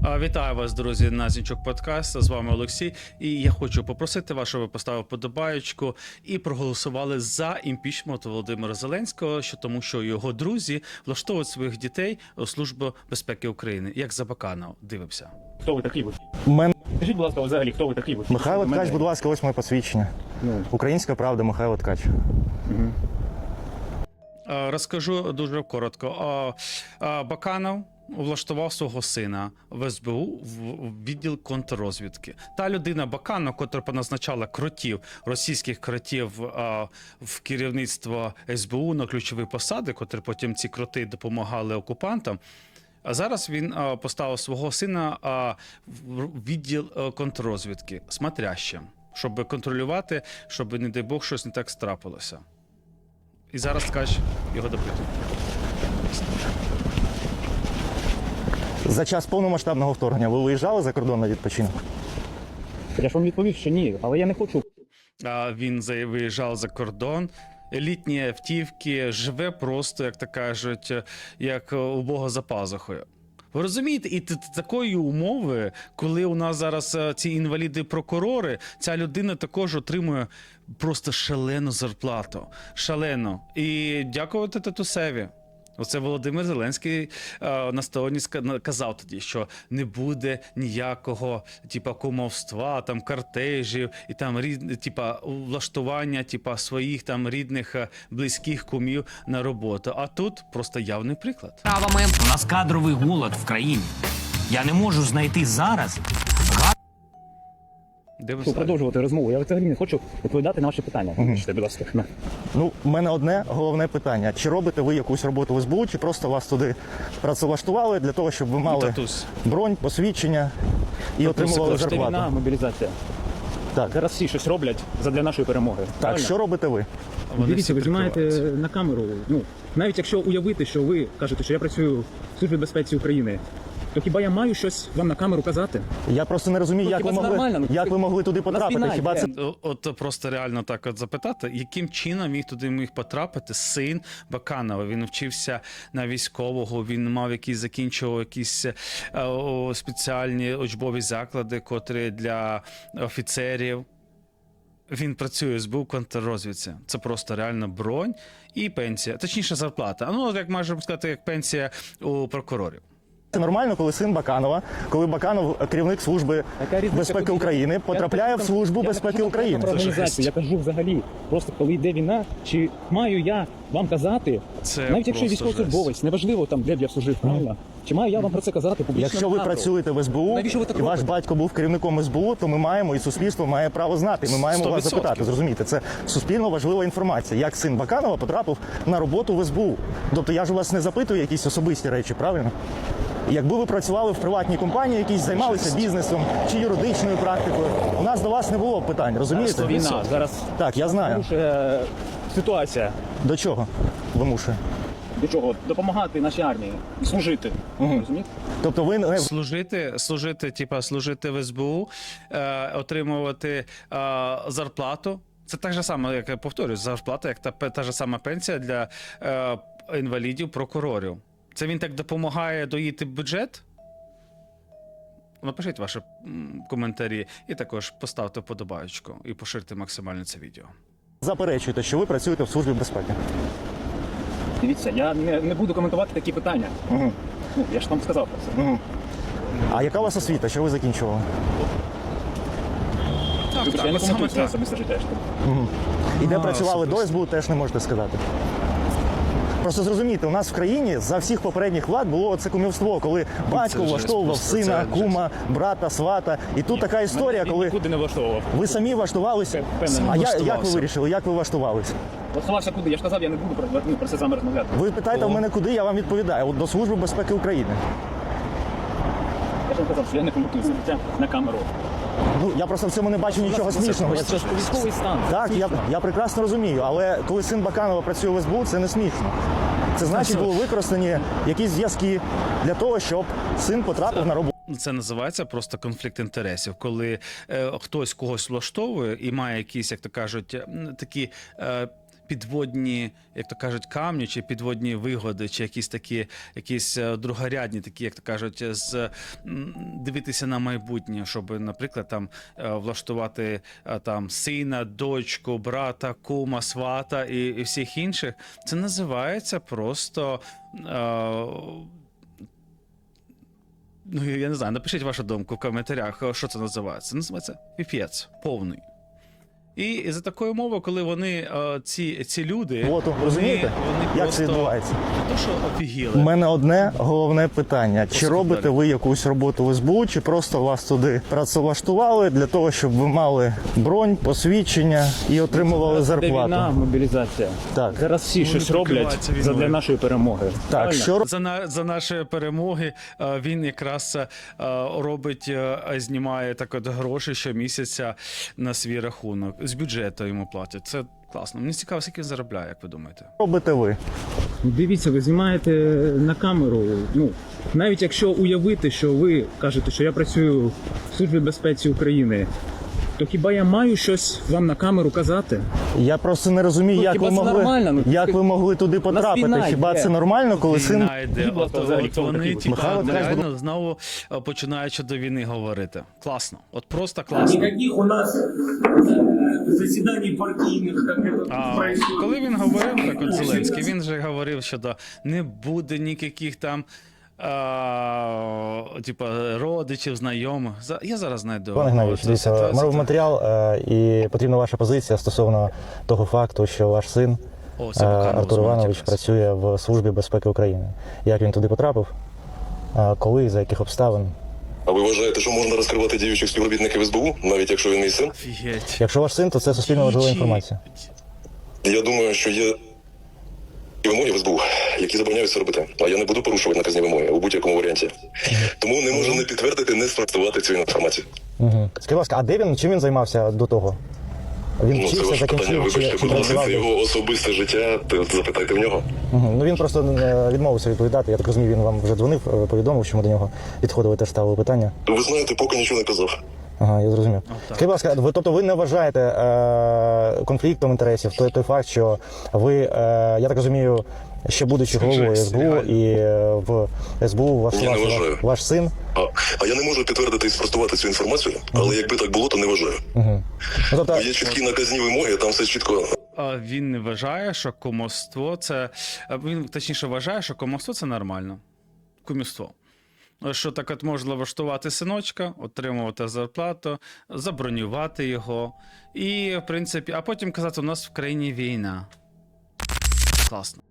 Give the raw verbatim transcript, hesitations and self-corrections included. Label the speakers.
Speaker 1: Вітаю вас, друзі, на Зінчук подкаст. З вами Олексій. І я хочу попросити вас, щоб ви поставили подобаєчку і проголосували за імпічмент Володимира Зеленського, що тому що його друзі влаштовують своїх дітей у Службу безпеки України. Як за Баканов. Дивимося.
Speaker 2: Хто ви такий?
Speaker 3: Мен...
Speaker 2: Скажіть, будь ласка, взагалі, хто ви такий?
Speaker 3: Михайло Ткач, будь ласка, ось моє посвідчення.
Speaker 2: Ну.
Speaker 3: Українська правда, Михайло Ткач.
Speaker 2: Угу.
Speaker 1: Розкажу дуже коротко. Баканов влаштував свого сина в ес бе у в відділ контррозвідки. Та людина Баканов, котра поназначала кротів, російських кротів а, в керівництво ес бе у на ключові посади, котрі потім ці кроти допомагали окупантам. А зараз він а, поставив свого сина а, в відділ а, контррозвідки, смотрящим, щоб контролювати, щоб, не дай Бог, щось не так страпилося. І зараз Ткач його допитує.
Speaker 3: За час повномасштабного вторгнення ви виїжджали за кордон на відпочинок?
Speaker 2: Я ж вам відповів, що ні, але я не хочу.
Speaker 1: А, він за- виїжджав за кордон. Елітні автівки, живе просто, як то кажуть, як у Бога за пазухою. Ви розумієте, і т- т- такої умови, коли у нас зараз е, ці інваліди-прокурори, ця людина також отримує просто шалену зарплату. Шалену. І дякувати татусеві. Оце Володимир Зеленський е, на стороні ска- казав тоді, що не буде ніякого типа кумовства, там кортежів і там рід, типа влаштування типа своїх там рідних е, близьких кумів на роботу. А тут просто явний приклад.
Speaker 4: Правами у нас кадровий голод в країні. Я не можу знайти зараз.
Speaker 1: Де ви
Speaker 2: Хочу
Speaker 1: стали?
Speaker 2: продовжувати розмову. Я взагалі не хочу відповідати на ваші питання. Вибачте, будь ласка. На.
Speaker 3: Ну, в мене одне головне питання. Чи робите ви якусь роботу в ес бе у, чи просто вас туди працевлаштували для того, щоб ви мали
Speaker 1: Татусь.
Speaker 3: бронь, посвідчення і отримували
Speaker 2: Це війна,
Speaker 3: зарплату?
Speaker 2: мобілізація.
Speaker 3: Так,
Speaker 2: Зараз всі щось роблять задля нашої перемоги.
Speaker 3: так,
Speaker 2: Правильно?
Speaker 3: що робите ви?
Speaker 1: Вони
Speaker 2: Дивіться,
Speaker 1: всі
Speaker 2: ви знімаєте
Speaker 1: прикриваються.
Speaker 2: на камеру. Ну, навіть якщо уявити, що ви кажете, що я працюю в Службі безпеці України, то хіба я маю щось вам на камеру казати?
Speaker 3: Я просто не розумію,
Speaker 2: Ну,
Speaker 3: як
Speaker 2: хіба
Speaker 3: ви
Speaker 2: це
Speaker 3: могли,
Speaker 2: нормально? Ну,
Speaker 3: як ви могли туди
Speaker 2: у нас
Speaker 3: потрапити.
Speaker 2: війна
Speaker 3: Хіба
Speaker 2: йде.
Speaker 3: це
Speaker 1: О- От просто реально так от запитати, яким чином міг туди міг потрапити син Баканова. Він вчився на військового, він мав якісь закінчував якісь е, о, спеціальні учбові заклади, котрі для офіцерів. Він працює в ес бе у контррозвідці. Це просто реально бронь і пенсія. Точніше, зарплата. Ну, як можемо сказати, як пенсія у прокурорів.
Speaker 3: Це нормально, коли син Баканова, коли Баканов, керівник Служби
Speaker 2: Яка різниця,
Speaker 3: безпеки
Speaker 2: коли-
Speaker 3: України,
Speaker 2: Я
Speaker 3: потрапляє в
Speaker 2: кажу,
Speaker 3: Службу
Speaker 2: я
Speaker 3: безпеки
Speaker 2: кажу
Speaker 3: України?
Speaker 2: про
Speaker 1: Це
Speaker 2: організацію,
Speaker 1: жесть.
Speaker 2: я кажу взагалі, просто коли йде війна, чи маю я вам казати,
Speaker 1: Це
Speaker 2: навіть якщо
Speaker 1: просто
Speaker 2: військовослужбовець, неважливо там, де б я служив, правильно? Чи маю я вам про це казати публічно?
Speaker 3: Якщо ви
Speaker 2: на камеру?
Speaker 3: працюєте в ес бе у,
Speaker 2: Навіщо ви так
Speaker 3: і ваш
Speaker 2: робите?
Speaker 3: батько був керівником ес бе у, то ми маємо, і суспільство має право знати. Ми маємо
Speaker 1: сто
Speaker 3: вас
Speaker 1: відсотків.
Speaker 3: запитати. Зрозумієте, це суспільно важлива інформація. Як син Баканова потрапив на роботу в ес бе у. Тобто я ж у вас не запитую якісь особисті речі, правильно? Якби ви працювали в приватній компанії, якісь займалися бізнесом чи юридичною практикою, у нас до вас не було б питань, розумієте?
Speaker 2: Війна, зараз
Speaker 3: Так, я знаю.
Speaker 2: порушує ситуація.
Speaker 3: До чого вимушує?
Speaker 2: До чого? Допомагати нашій армії, служити. Розумієте?
Speaker 3: Тобто ви не
Speaker 1: Служити, служити, типа, служити в ес бе у, е, отримувати е, зарплату. Це так же саме, як я повторюю, зарплата, як та, пе- та ж сама пенсія для е, інвалідів, прокурорів. Це він так допомагає доїти бюджет? Напишіть ваші м, коментарі і також поставте вподобаєчку і поширте максимально це відео.
Speaker 3: заперечуєте, що ви працюєте в Службі безпеки.
Speaker 2: Дивіться, я не, не буду коментувати такі питання.
Speaker 3: Угу.
Speaker 2: Ну, я ж вам сказав про це.
Speaker 3: Угу. А яка у вас освіта? Що ви закінчували?
Speaker 1: Так,
Speaker 2: Вибачте, я не коментую це особисте життя.
Speaker 3: Угу. І де
Speaker 1: А,
Speaker 3: працювали до
Speaker 1: особисто.
Speaker 3: ес бе у, теж не можете сказати. Просто зрозумійте, у нас в країні за всіх попередніх влад було це кумівство, коли батько
Speaker 1: жесть,
Speaker 3: влаштовував
Speaker 1: просто
Speaker 3: сина,
Speaker 1: це
Speaker 3: кума, брата, свата. І тут така історія,
Speaker 2: Мене
Speaker 3: коли
Speaker 2: нікуди не влаштовував.
Speaker 3: ви самі влаштувалися.
Speaker 2: Впевнений.
Speaker 3: А я, як ви
Speaker 1: Влаштувався.
Speaker 3: вирішили, як ви влаштувалися?
Speaker 2: Влаштувався куди? Я ж казав, я не буду про, ну, про це з вами розмовляти.
Speaker 3: Ви питаєте в мене куди, я вам відповідаю. От до Служби безпеки України.
Speaker 2: Я ж вам казав, що я не коментую це життя на камеру.
Speaker 3: Ну, я просто в цьому не бачу нічого смішного.
Speaker 2: Це ж військовий стан.
Speaker 3: Так, я, я прекрасно розумію, але коли син Баканова працює в ес бе у, це не смішно. Це значить, були використані якісь зв'язки для того, щоб син потрапив на роботу.
Speaker 1: Це називається просто конфлікт інтересів, коли е, хтось когось влаштовує і має якісь, як то кажуть, м, такі е, підводні, як то кажуть, камні, чи підводні вигоди, чи якісь такі, якісь е, другорядні, такі, як то кажуть, з м, дивитися на майбутнє, щоб, наприклад, там е, влаштувати е, там сина, дочку, брата, кума, свата і, і всіх інших. Це називається просто. Е, Ну, я не знаю, напишіть вашу думку в коментарях, що це називається. Це називається піпець повний. І за такою мовою, коли вони, е, ці, ці люди,
Speaker 3: От,
Speaker 1: вони,
Speaker 3: розумієте,
Speaker 1: вони
Speaker 3: як
Speaker 1: просто
Speaker 3: це відбувається?
Speaker 1: не то, що офігіли.
Speaker 3: У мене одне головне питання: чи
Speaker 1: Послухай
Speaker 3: робите
Speaker 1: далі.
Speaker 3: ви якусь роботу в ес бе у, чи просто вас туди працевлаштували для того, щоб ви мали бронь, посвідчення і отримували
Speaker 2: Де війна,
Speaker 3: зарплату?
Speaker 2: мобілізація.
Speaker 3: Так.
Speaker 2: Зараз всі
Speaker 1: Вони
Speaker 2: щось роблять
Speaker 1: прикриваються війною.
Speaker 2: задля нашої перемоги.
Speaker 3: Так,
Speaker 2: Правильно?
Speaker 3: що
Speaker 1: За, на, за наші перемоги е, він якраз е, робить, е, знімає так от гроші щомісяця на свій рахунок. З бюджету йому платять. Це класно. Мені цікаво, скільки він заробляє, як ви думаєте?
Speaker 3: робите ви?
Speaker 2: Дивіться, ви знімаєте на камеру. Ну, навіть якщо уявити, що ви кажете, що я працюю в Службі безпеці України, то хіба я маю щось вам на камеру казати?
Speaker 3: Я просто не розумію,
Speaker 2: Ну,
Speaker 3: як
Speaker 2: хіба
Speaker 3: ви
Speaker 2: це
Speaker 3: могли
Speaker 2: нормально? Ну,
Speaker 3: як
Speaker 2: ти-
Speaker 3: ви могли туди потрапити.
Speaker 2: війна
Speaker 3: Хіба
Speaker 2: йде.
Speaker 3: це нормально, коли син
Speaker 1: Війна йде.
Speaker 2: Будь ласка,
Speaker 1: От,
Speaker 2: взагалі,
Speaker 1: от
Speaker 2: хто ви
Speaker 1: вони
Speaker 2: такі?
Speaker 1: типа,
Speaker 3: Михайло Ткач,
Speaker 1: реально знову е, починають щодо війни говорити. Класно. От просто класно.
Speaker 5: Никаких у нас э, заседаний партийных, как это
Speaker 1: А,
Speaker 5: происходит.
Speaker 1: коли він говорив, так от Зеленський, він же говорив, що да, не буде ніяких там а, типа, родичів, знайомих. За- Я зараз знайду.
Speaker 3: Пане Гнавіч,
Speaker 1: Цю
Speaker 3: дивіться,
Speaker 1: ситуацію.
Speaker 3: ми робимо матеріал, е, і потрібна ваша позиція стосовно того факту, що ваш син
Speaker 1: О,
Speaker 3: е,
Speaker 1: це Баканов
Speaker 3: Артур
Speaker 1: дзвонить
Speaker 3: Іванович
Speaker 1: якраз.
Speaker 3: працює в Службі безпеки України. Як він туди потрапив? Е, Коли, за яких обставин?
Speaker 6: А ви вважаєте, що можна розкривати діючих співробітників ес бе у, навіть якщо він мій син?
Speaker 1: Офігеть.
Speaker 3: Якщо ваш син, то це суспільно важлива
Speaker 1: Чи-
Speaker 3: інформація.
Speaker 6: Я думаю, що є вимоги в ес бе у, які забороняють це робити. А я не буду порушувати наказні вимоги у будь-якому варіанті. Тому не можу не підтвердити, не спростувати цю інформацію.
Speaker 3: Угу. Скажіть, будь ласка, а де він, чим він займався до того? Він
Speaker 6: Ну, це
Speaker 3: вчився,
Speaker 6: ваше питання.
Speaker 3: закінчив чи,
Speaker 6: Вибачте,
Speaker 3: чи
Speaker 6: будь ласка,
Speaker 3: працював?
Speaker 6: це його особисте життя. то Запитайте в нього.
Speaker 3: Угу. Ну він просто е, відмовився відповідати. Я так розумію, він вам вже дзвонив, е, повідомив, що ми до нього підходили, теж ставили питання.
Speaker 6: Ви знаєте, поки нічого не казав.
Speaker 3: Ага, я зрозумів.
Speaker 1: так.
Speaker 3: Скажіть, будь ласка, ви, тобто ви не вважаєте е, конфліктом інтересів той, той факт, що ви, е, я так розумію, ще будучи
Speaker 1: Скажи,
Speaker 3: головою ес бе у
Speaker 1: реально.
Speaker 3: і е, в ес бе у ваш,
Speaker 6: Ні, не
Speaker 3: ваш,
Speaker 6: вважаю.
Speaker 3: ваш син.
Speaker 6: А, а я не можу підтвердити і спростувати цю інформацію, але якби так було, то не вважаю.
Speaker 3: Угу. Ну, тобто,
Speaker 6: Є чіткі наказні вимоги, там все чітко.
Speaker 1: А Він не вважає, що кумовство це. а Він точніше вважає, що кумовство це нормально. Кумівство. Що так от можна влаштувати синочка, отримувати зарплату, забронювати його. І, в принципі, а потім казати, у нас в країні війна. Класно.